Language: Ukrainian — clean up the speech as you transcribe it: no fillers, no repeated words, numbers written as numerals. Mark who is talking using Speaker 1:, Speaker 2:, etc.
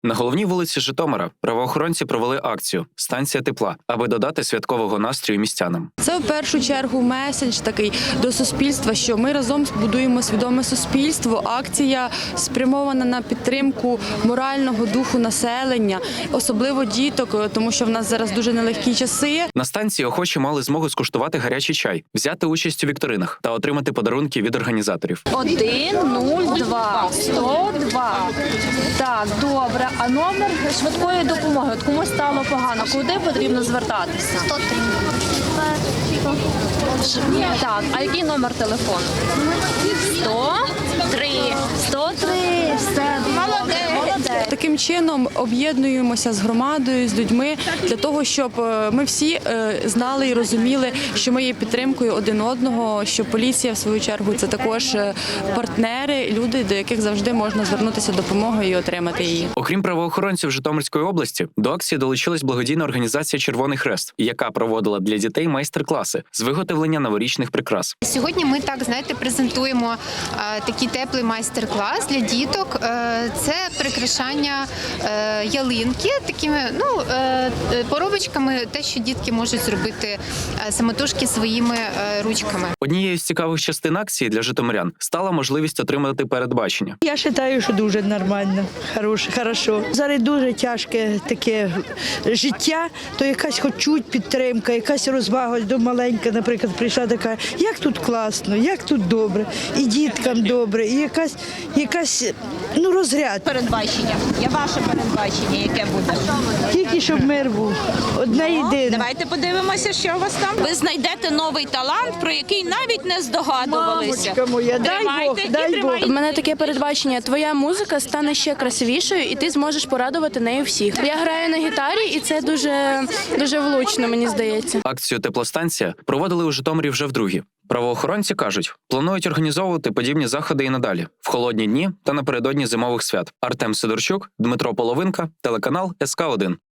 Speaker 1: На головній вулиці Житомира правоохоронці провели акцію «Станція тепла», аби додати святкового настрою містянам.
Speaker 2: Це в першу чергу меседж такий до суспільства, що ми разом будуємо свідоме суспільство. Акція спрямована на підтримку морального духу населення, особливо діток, тому що в нас зараз дуже нелегкі часи.
Speaker 1: На станції охочі мали змогу скуштувати гарячий чай, взяти участь у вікторинах та отримати подарунки від організаторів.
Speaker 3: 102 102. Так, добре. А номер швидкої допомоги? От комусь стало погано. Куди потрібно звертатися?
Speaker 4: 103.
Speaker 3: Так, а який номер телефону? 103. 103. Все, молодець.
Speaker 2: Таким чином об'єднуємося з громадою, з людьми для того, щоб ми всі знали і розуміли, що ми є підтримкою один одного, що поліція, в свою чергу, це також партнери, люди, до яких завжди можна звернутися допомогою і отримати її.
Speaker 1: Окрім правоохоронців Житомирської області, до акції долучилась благодійна організація «Червоний Хрест», яка проводила для дітей майстер-класи з виготовлення новорічних прикрас.
Speaker 4: Сьогодні ми презентуємо такий теплий майстер-клас для діток. Це прикрашання ялинки такими поробочками, те, що дітки можуть зробити самотужки своїми ручками.
Speaker 1: Однією з цікавих частин акції для житомирян стала можливість отримати передбачення.
Speaker 5: Я вважаю, що дуже нормально, хорошо. Зараз дуже тяжке таке життя, то якась хоч чуть підтримка, якась розвага до маленька, наприклад, прийшла така, як тут класно, як тут добре, і діткам добре, і якась розряд.
Speaker 6: Передбачення. Я ваше передбачення, яке буде.
Speaker 5: Тільки щоб мир був, одна єдина.
Speaker 6: Давайте подивимося, що у вас там. Ви знайдете новий талант, про який навіть не здогадувалися.
Speaker 5: Мамочка моя, дай Бог, дай Бог.
Speaker 2: У мене таке передбачення: твоя музика стане ще красивішою, і ти зможеш порадувати нею всіх. Я граю на гітарі, і це дуже влучно, мені здається.
Speaker 1: Акцію «Теплостанція» проводили у Житомирі вже вдруге. Правоохоронці кажуть, планують організовувати подібні заходи і надалі, в холодні дні та напередодні зимових свят. Артем Сидорчук, Дмитро Половинка, телеканал СК1.